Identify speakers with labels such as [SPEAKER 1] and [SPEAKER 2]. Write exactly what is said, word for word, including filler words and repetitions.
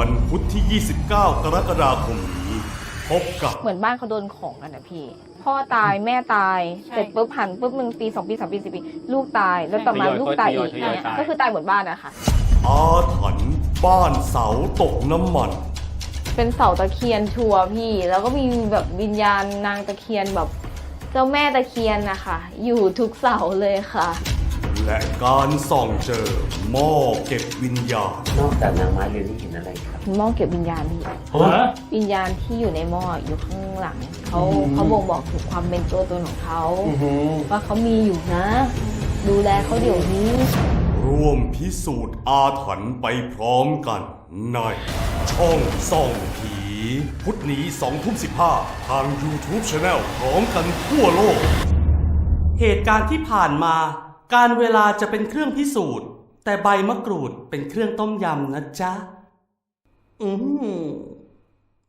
[SPEAKER 1] วันพุธที่ ยี่สิบเก้า กรกฎาคมนี้พบกับ
[SPEAKER 2] เหมือนบ้านเขาโดนของกันนะพี่พ่อตายแม่ตายเสร็จปุ๊บหันปุ๊บหนึ่งปีสองปีสามปีสี่ปีลูกตายแล้วต่อมาลูกตายอีกเนี่ยก็คือตายหมดบ้านอะค่ะ
[SPEAKER 1] อาถรรพ์บ้านเสาตกน้ำมัน
[SPEAKER 2] เป็นเสาตะเคียนชัวร์พี่แล้วก็มีแบบวิญญาณนางตะเคียนแบบเจ้าแม่ตะเคียนนะคะอยู่ทุกเสาเลยค่ะ
[SPEAKER 1] และการส่องเจอหม้อเก็บวิญญาณ
[SPEAKER 3] นอกจากนางไม้เรือนนี่เห็นอะไรครับ
[SPEAKER 2] หม้อเก็บวิญญาณพี่วิญญาณที่อยู่ในหม้ออยู่ข้างหลังเขาเขาบ่งบอกถึงความเป็นตัวตนของเขาว่าเขามีอยู่นะดูแลเขาเดี๋ยวนี้
[SPEAKER 1] ร่วมพิสูจน์อาถรรพ์ไปพร้อมกันในช่องส่องผีพุธนี้สองทุ่มสิบห้าทาง YouTube Channel พร้อมกันทั่วโลก
[SPEAKER 4] เหตุการณ์ที่ผ่านมาการเวลาจะเป็นเครื่องพิสูจน์แต่ใบมะกรูดเป็นเครื่องต้มยำนะจ๊ะอืม